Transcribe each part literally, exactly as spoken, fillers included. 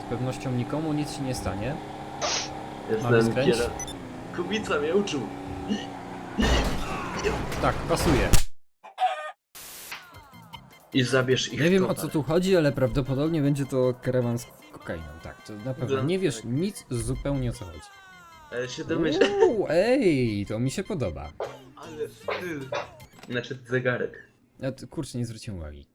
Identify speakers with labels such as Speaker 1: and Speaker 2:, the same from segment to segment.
Speaker 1: pewnością nikomu nic się nie stanie. Mamy
Speaker 2: Jestem
Speaker 1: skręć?
Speaker 2: kiera... Kubica mnie uczył.
Speaker 1: Tak, pasuje.
Speaker 2: I zabierz ich
Speaker 1: Nie wiem o
Speaker 2: towar.
Speaker 1: co tu chodzi, ale prawdopodobnie będzie to karawan z kokainą. Tak, to na pewno. Nie wiesz nic zupełnie o co chodzi.
Speaker 2: Ale się domyślam.
Speaker 1: Uuu, ej, to mi się podoba.
Speaker 2: Ale styl. Znaczy zegarek.
Speaker 1: Ja tu, kurczę, nie zwróciłem uwagi.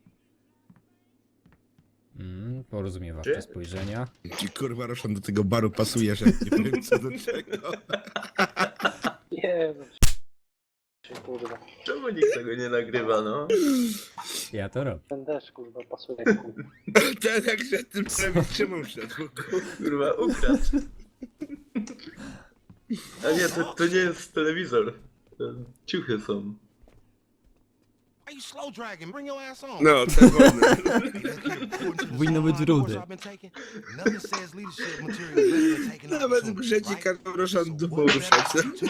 Speaker 1: Mm, porozumiewawcze
Speaker 2: Czy?
Speaker 1: spojrzenia.
Speaker 3: Ci kurwa Roszan do tego baru pasuje, że nie wiem co do czego.
Speaker 4: Nie, no się kurwa.
Speaker 2: Czemu nikt tego nie nagrywa, no?
Speaker 1: Ja to robię.
Speaker 4: Ten deszcz kurwa pasuje kurwa.
Speaker 3: Ten jak się tym prawie trzymał szedł.
Speaker 2: Kurwa, ukradł. A nie, to, to nie jest telewizor. To ciuchy są.
Speaker 5: Why you slow dragging? Bring your ass on.
Speaker 3: No, czerwony.
Speaker 1: Powinno być rudy.
Speaker 3: Nawet w grze ci każą Roszan dupą ruszać.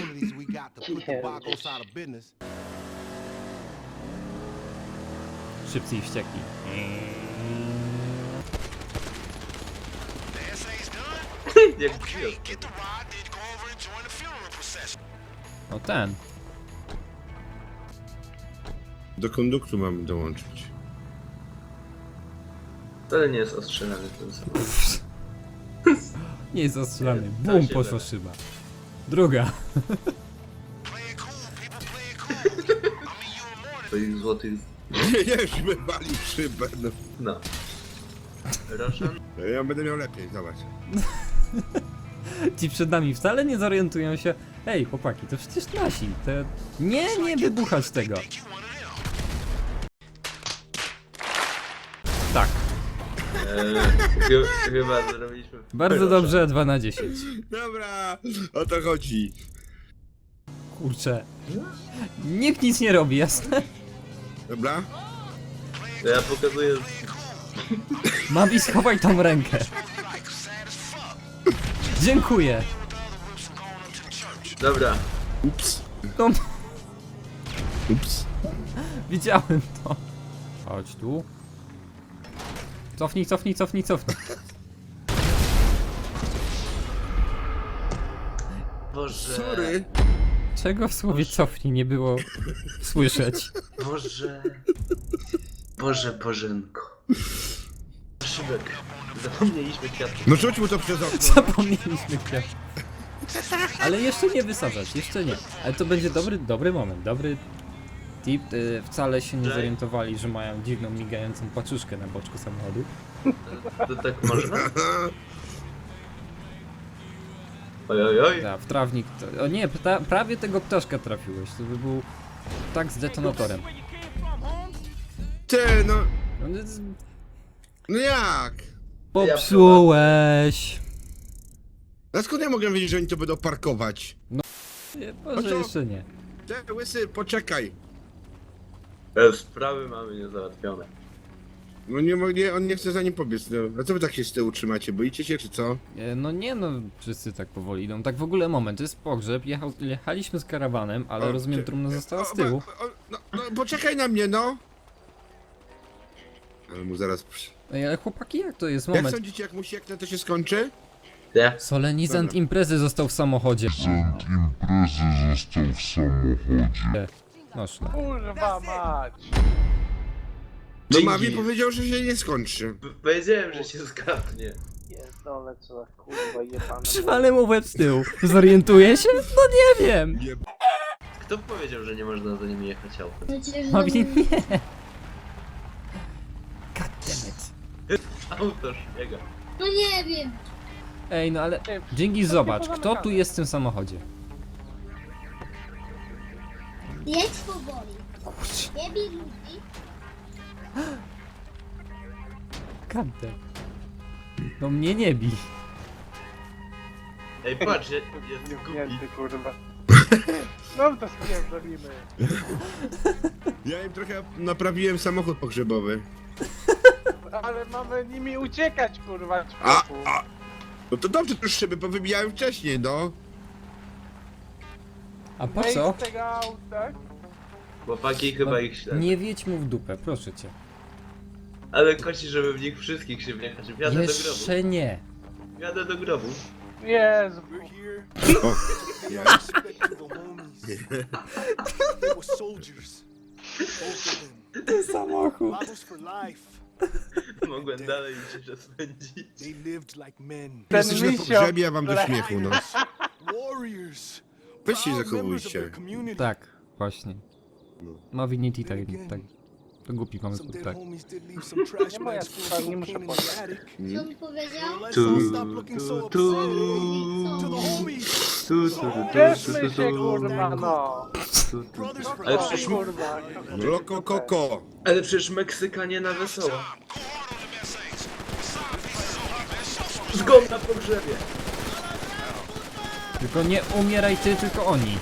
Speaker 1: Szybcy i wściekli.
Speaker 2: Jak gwiazd.
Speaker 1: No ten.
Speaker 3: Do konduktu mamy dołączyć.
Speaker 2: Wcale nie jest ostrzelany ten sam.
Speaker 1: Nie jest zastrzelany.
Speaker 2: To
Speaker 1: Bum,
Speaker 2: się
Speaker 1: poszła
Speaker 2: da.
Speaker 1: szyba. Druga.
Speaker 2: Twoich złotych...
Speaker 3: Nie, już wywalił szybę. No.
Speaker 2: No. Roshan?
Speaker 3: Ja będę miał lepiej, zobacz.
Speaker 1: Ci przed nami wcale nie zorientują się. Ej, chłopaki, to przecież nasi. Te... Nie, nie wybuchać tego. Tak.
Speaker 2: Eee, chy- chyba zrobiliśmy...
Speaker 1: Bardzo
Speaker 2: Roshan.
Speaker 1: dobrze, dwa na dziesięć.
Speaker 3: Dobra, o to chodzi.
Speaker 1: Kurczę. Nikt nic nie robi, jasne?
Speaker 3: Dobra?
Speaker 2: To ja pokazuję...
Speaker 1: Mabi, schowaj tą rękę. Dziękuję.
Speaker 2: Dobra.
Speaker 3: Ups.
Speaker 1: No,
Speaker 3: Ups.
Speaker 1: widziałem to. Chodź tu. Cofnij, cofnij, cofnij, cofnij.
Speaker 2: Boże...
Speaker 3: Sorry.
Speaker 1: Czego w słowie cofnij nie było słyszeć?
Speaker 2: Boże... Boże Bożenko. Szybek. Zapomnieliśmy kwiatki.
Speaker 3: No rzuć mu to przez okno.
Speaker 1: Zapomnieliśmy kwiat. Ale jeszcze nie wysadzać, jeszcze nie. Ale to będzie dobry, dobry moment, dobry tip. Y, wcale się nie
Speaker 2: Jay?
Speaker 1: zorientowali, że mają dziwną, migającą paczuszkę na boczku samochodu.
Speaker 2: To tak można? Oj, oj, oj.
Speaker 1: Da, w trawnik. To, o nie, pta, prawie tego ptaszka trafiłeś. To by był tak z detonatorem.
Speaker 3: Ty, no.
Speaker 1: No, z-
Speaker 3: No jak?
Speaker 1: Popsułeś.
Speaker 3: A skąd ja mogę wiedzieć, że oni to będą parkować?
Speaker 1: Nie,
Speaker 3: A
Speaker 1: może
Speaker 3: co?
Speaker 1: jeszcze nie.
Speaker 3: Ty, łysy, poczekaj.
Speaker 2: E, Sprawy mamy niezałatwione.
Speaker 3: No nie, mo- nie, on nie chce za nim pobiec. No. A co wy tak się z tyłu trzymacie? Boicie się, czy co?
Speaker 1: E, No nie no, wszyscy tak powoli idą. Tak w ogóle moment, to jest pogrzeb, jechał, jechaliśmy z karawanem, ale
Speaker 3: O,
Speaker 1: rozumiem,
Speaker 3: ty-
Speaker 1: trumna została z
Speaker 3: O,
Speaker 1: tyłu.
Speaker 3: o, o, no, no, poczekaj na mnie, no! Ale mu zaraz... przy-
Speaker 1: Ej, ale chłopaki, jak to jest?
Speaker 3: Jak
Speaker 1: Moment.
Speaker 3: sądzicie, jak mu sieknę, to się skończy?
Speaker 2: Nie?
Speaker 1: Solenizant
Speaker 3: Dobra.
Speaker 1: imprezy został w samochodzie.
Speaker 6: imprezy został w samochodzie.
Speaker 1: No szlak.
Speaker 4: Kurwa mać!
Speaker 3: No
Speaker 2: Dzięki.
Speaker 3: Mawi powiedział, że się nie skończy.
Speaker 2: P- Powiedziałem, że się zgadnie.
Speaker 4: Pierdolę co za kurwa jebane.
Speaker 1: Przywalę mu łeb z tyłu. Zorientuje się? No nie wiem.
Speaker 2: Kto powiedział, że nie można za nimi jechać autem?
Speaker 1: Mawi, nie. Goddammit.
Speaker 2: Auto szpiega.
Speaker 7: No nie wiem.
Speaker 1: Ej, no ale... Dzięki, zobacz, kto tu jest w tym samochodzie?
Speaker 7: Jedź powoli. Nie bij ludzi.
Speaker 1: Goddammit. No mnie nie bij.
Speaker 2: Ej, patrz, ja, jestem głupi.
Speaker 4: Zamknięty kurwa. No to spierdolimy.
Speaker 3: Ja im trochę naprawiłem samochód pogrzebowy.
Speaker 4: Ale mamy nimi uciekać kurwa
Speaker 3: A,
Speaker 4: człowieku.
Speaker 3: a! No to dobrze, to już szyby powybijałem wcześniej, no.
Speaker 1: A po
Speaker 4: Wejdź
Speaker 1: co?
Speaker 4: z tego auta.
Speaker 2: Chłopaki chyba ich śledzą.
Speaker 1: Nie wiedź mu w dupę, proszę cię.
Speaker 2: Ale kosi, żeby w nich wszystkich się wjechać. Wjadę do grobu.
Speaker 1: Jeszcze nie.
Speaker 2: Wjadę do grobu.
Speaker 4: Jezu.
Speaker 5: We're here.
Speaker 3: O, ja.
Speaker 5: Respect to the homies. They were soldiers. Both of them.
Speaker 1: Ten samochód.
Speaker 5: Models for life.
Speaker 2: Mogłem dalej się spędzić.
Speaker 5: They lived like men.
Speaker 4: Ten
Speaker 3: Jesteś na
Speaker 4: misio,
Speaker 3: pogrzebie, a wam do
Speaker 4: które-
Speaker 3: śmiechu, no.
Speaker 5: Warriors.
Speaker 3: Weź się
Speaker 5: Proud members of
Speaker 3: zachowujcie.
Speaker 5: their community.
Speaker 1: Tak, właśnie. Movinity tak, tak. To głupi pomysł,
Speaker 5: Some dead
Speaker 1: tak.
Speaker 5: homies did leave some trash
Speaker 4: Nie moja
Speaker 5: bags full of
Speaker 4: sprawa, nie muszę
Speaker 5: cocaine in the
Speaker 4: powiedzieć.
Speaker 5: attic.
Speaker 7: Co mi powiedział?
Speaker 5: Let's
Speaker 2: Tu,
Speaker 5: all stop looking so
Speaker 2: tu, tu.
Speaker 5: upset. To the homies.
Speaker 2: Tu, tu, tu, tu,
Speaker 4: Cieszmy
Speaker 2: tu, tu,
Speaker 4: się,
Speaker 2: tu,
Speaker 4: kurwa, no.
Speaker 2: tu, tu.
Speaker 5: Brothers for
Speaker 2: Ale
Speaker 4: O,
Speaker 2: przecież,
Speaker 4: kurwa.
Speaker 3: Loko koko.
Speaker 2: ale przecież Meksykanie na wesoło. Zgon na pogrzebie.
Speaker 1: Tylko nie umieraj ty, tylko oni.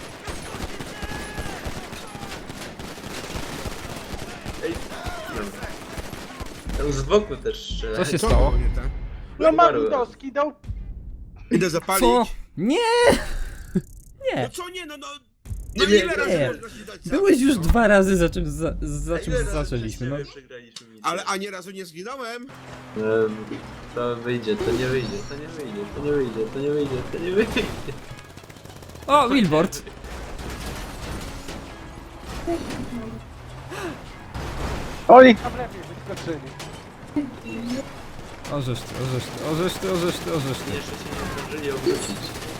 Speaker 2: Ej, dobra. Tam z boku też strzela.
Speaker 1: Co się
Speaker 3: Co?
Speaker 1: stało?
Speaker 3: Nie tak?
Speaker 4: No Mawidowski dał...
Speaker 3: Idę zapalić.
Speaker 1: Co? Nie!
Speaker 3: No
Speaker 1: Nie!
Speaker 3: co nie, no no.
Speaker 2: Nie,
Speaker 3: No
Speaker 2: nie,
Speaker 3: ile razy
Speaker 1: nie.
Speaker 3: można się dać
Speaker 1: Byłeś
Speaker 3: zabić,
Speaker 1: już
Speaker 3: no?
Speaker 1: dwa razy za czym, za, za
Speaker 2: A
Speaker 1: czym
Speaker 2: ile razy
Speaker 1: zaczęliśmy, no.
Speaker 2: przez ciebie przegraliśmy misję?
Speaker 3: Ale ani razu nie zginąłem.
Speaker 2: Em, To wyjdzie, to nie wyjdzie, to nie wyjdzie, to nie wyjdzie, to nie wyjdzie, to nie wyjdzie.
Speaker 1: O, billboard!
Speaker 4: Oni tam lepiej wyskoczyli.
Speaker 1: Orzesz ty, orzesz ty, orzesz ty, orzesz ty, orzesz ty.
Speaker 2: Jeszcze się nie zdążyli obrócić.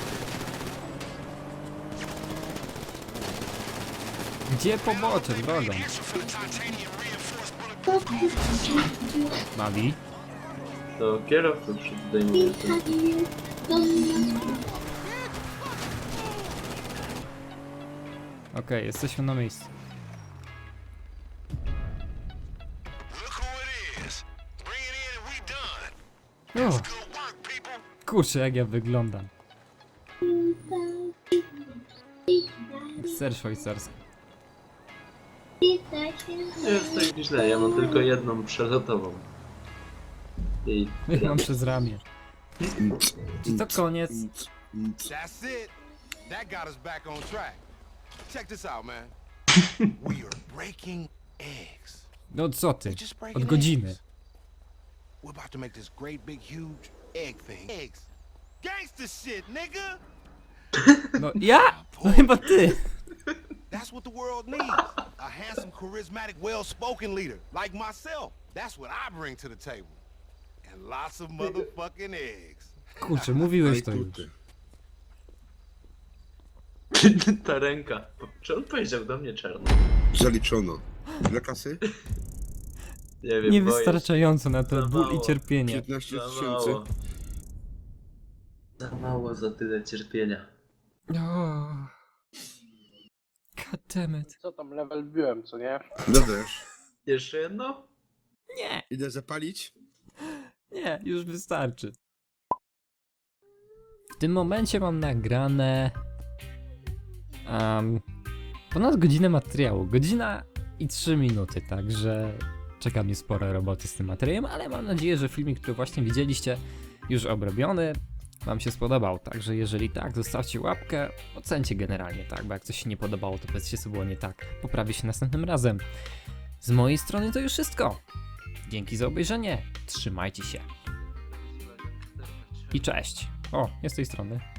Speaker 1: Gdzie pobocze, drogą? Mavi?
Speaker 2: To kierowców zdejmuje.
Speaker 1: Okej, jesteśmy na miejscu. O, kurczę, jak ja wyglądam. Ser szwajcarski.
Speaker 2: Nie jest tak źle, ja mam tylko jedną przelotową. I
Speaker 1: Ja mam przez ramię. Czy to koniec?
Speaker 5: That's it. That got us back on track. Check this out, man. We are breaking eggs.
Speaker 1: No co ty?
Speaker 5: Just breaking
Speaker 1: Od godziny.
Speaker 5: eggs. We're about to make this great big huge egg thing. Eggs. Gangster shit, nigga.
Speaker 1: No ja? No chyba ty.
Speaker 5: That's what the world needs. A handsome, charismatic, well-spoken leader like myself. That's what I bring to the table. And lots of motherfucking eggs.
Speaker 1: Kurczę, mówiłeś
Speaker 3: Aj,
Speaker 1: to już.
Speaker 3: kurde.
Speaker 2: ta ręka. Czy on powiedział do mnie czarno?
Speaker 3: Zaliczono. Dla kasy?
Speaker 2: Nie wiem, boję się.
Speaker 1: Niewystarczająco na to
Speaker 2: Za
Speaker 1: ból
Speaker 2: mało.
Speaker 1: i cierpienie.
Speaker 3: piętnaście
Speaker 2: Za
Speaker 3: tysięcy.
Speaker 2: mało. Za mało za tyle cierpienia.
Speaker 1: O. God damn it.
Speaker 4: Co tam, level biłem, co nie?
Speaker 3: No też.
Speaker 2: Jeszcze jedno?
Speaker 1: Nie,
Speaker 3: Idę zapalić.
Speaker 1: nie, już wystarczy. W tym momencie mam nagrane um, ponad godzinę materiału. Godzina i trzy minuty, także czeka mnie sporo roboty z tym materiałem, ale mam nadzieję, że filmik, który właśnie widzieliście, już obrobiony, wam się spodobał. Także jeżeli tak, zostawcie łapkę, ocencie generalnie, tak, bo jak coś się nie podobało, to powiedzcie, co było nie tak. Poprawię się następnym razem. Z mojej strony to już wszystko. Dzięki za obejrzenie, trzymajcie się i cześć. O, jest z tej strony.